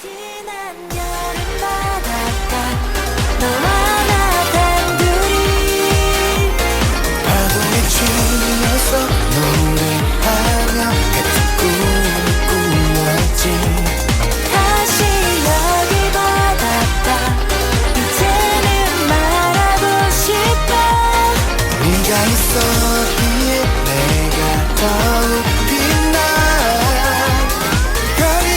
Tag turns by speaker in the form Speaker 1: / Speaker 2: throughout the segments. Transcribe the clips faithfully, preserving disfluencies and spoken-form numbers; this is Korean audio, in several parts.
Speaker 1: 지난 여름 바닷가 너와 나 단둘이
Speaker 2: 파도에 춤면서 노래하며 같은 꿈을 꾸었지.
Speaker 1: 다시 여기 바닷가 이제는 말하고 싶어.
Speaker 2: 네가 있었기에 내가 더욱 빛나 별이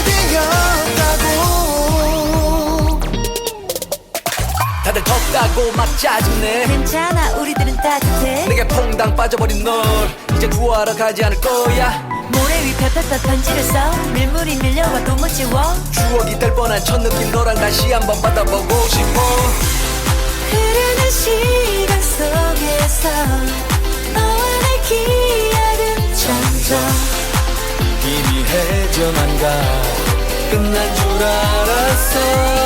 Speaker 2: 되었다고.
Speaker 3: 다들 덥다고 막 짜증내.
Speaker 1: 괜찮아 우리들은 따뜻해.
Speaker 3: 내게 퐁당 빠져버린 널 이제 구하러 가지 않을 거야.
Speaker 1: 모래 위 펴펴펴 편지를 써. 밀물이 밀려와도 못 지워.
Speaker 3: 추억이 될 뻔한 첫 느낌 너랑 다시 한번 받아보고 싶어.
Speaker 1: 흐르는 시간 속에서 너와 내 기억은 점점
Speaker 3: 이미 해져만 가 끝난 줄 알았어.